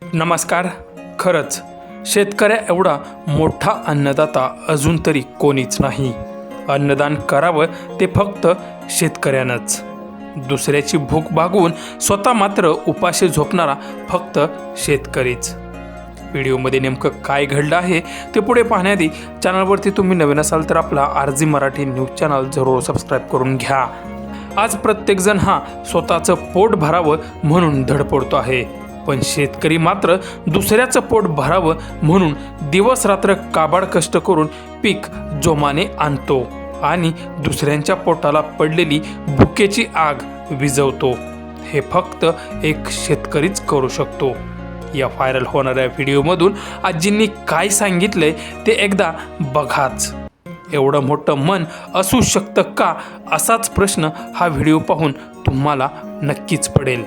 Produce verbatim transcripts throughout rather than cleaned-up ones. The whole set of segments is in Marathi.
नमस्कार. खरंच शेतकऱ्या एवढा मोठा अन्नदाता अजून तरी कोणीच नाही. अन्नदान करावं ते फक्त शेतकऱ्यानंच. दुसऱ्याची भूक भागवून स्वतः मात्र उपाशी झोपणारा फक्त शेतकरीच. व्हिडिओमध्ये नेमकं काय घडलं आहे ते पुढे पाहण्याआधी चॅनलवरती तुम्ही नवीन असाल तर आपला R G Marathi news channel जरूर सबस्क्राईब करून घ्या. आज प्रत्येकजण हा स्वतःचं पोट भरावं म्हणून धडपडतो आहे, पण शेतकरी मात्र दुसऱ्याचं पोट भरावं म्हणून दिवस रात्र काबाड कष्ट करून पीक जोमाने आणतो आणि दुसऱ्यांच्या पोटाला पडलेली भुकेची आग विझवतो. हे फक्त एक शेतकरीच करू शकतो. या व्हायरल होणाऱ्या व्हिडिओमधून आजींनी काय सांगितलंय ते एकदा बघाच. एवढं मोठं मन असू शकतं का, असाच प्रश्न हा व्हिडिओ पाहून तुम्हाला नक्कीच पडेल.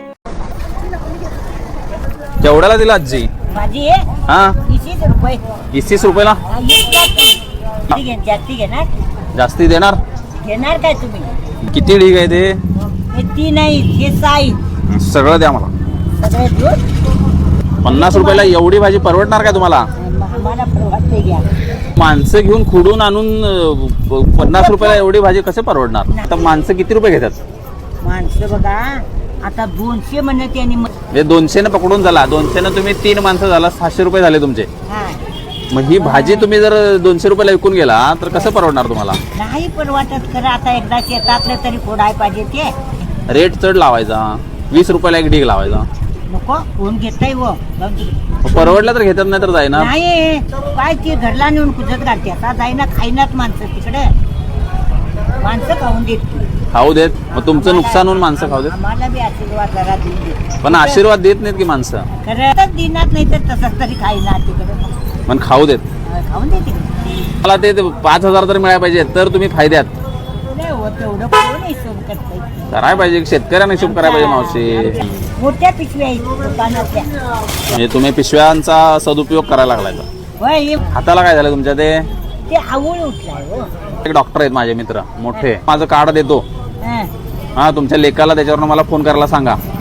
केवढ्याला दिला आजी? माझी आहे हा तीस रुपये. तीस रुपयाला जास्ती घेणार जास्ती देणार? घेणार काय तुम्ही? किती ढीग आहे ते? हे तीन आहे, हे सहा आहे. सगळं द्या मला. सगळे दूध पन्नास रुपयाला एवढी भाजी परवडणार काय तुम्हाला? आम्हाला परवडते घ्या. माणसं घेऊन खुडून आणून अं, पन्नास रुपयाला एवढी भाजी कसे परवडणार? आता माणसं किती रुपये घेतात? माणसं बघा आता दोनशे म्हणत आणि म्हणजे दोनशेनं पकडून झाला, दोनशेनं तुम्ही तीन माणसं झाला, सहाशे रुपये झाले तुमचे. हा मग ही भाजी तुम्ही जर दोनशे रुपयाला विकून गेला तर कसं परवडणार तुम्हाला? नाही परवडत. खरं आता एकदा शेतातलं तरी फोडाय पाहिजे ते. रेट चढ लावायचा, वीस रुपयाला एक ढीग लावायचा. नको कोण घेताय व मग परवडलं तर घेतात, नाही तर जाईना. नाही काय ते घरला नेऊन कुजत काढते. आता जाईना खाईनात माणसं तिकडे. माणसं खाऊन देत खाऊ देत. मग तुमचं नुकसान होऊन माणसं खाऊ देत. आम्हाला बी आशीर्वाद जरा देऊन देत. पण आशीर्वाद देत नाहीत की माणसं. खरं दिनात नाही तर तसंच तरी खाईना तिकडे. पण खाऊ देत. खाऊन दे तिकडे. मला ते पाच हजार तर मिळायला पाहिजे तर तुम्ही फायद्यात. नाही हो तेवढं कोण हिशोब करतंय. करायला पाहिजे, शेतकऱ्यांना हिशोब करायला पाहिजे मावशी. मोठ्या पिशव्या आहेत दुकानातल्या. म्हणजे तुम्ही पिशव्यांचा सदुपयोग करायला लागलाय. होय हे हाताला काय झालं तुमच्या? ते ते आवळ उठलाय हो. एक डॉक्टर आहेत माझे मित्र मोठे. माझं कार्ड देतो. हं. हा तुमच्या लेकाला त्याच्यावरून मला फोन करायला सांगा.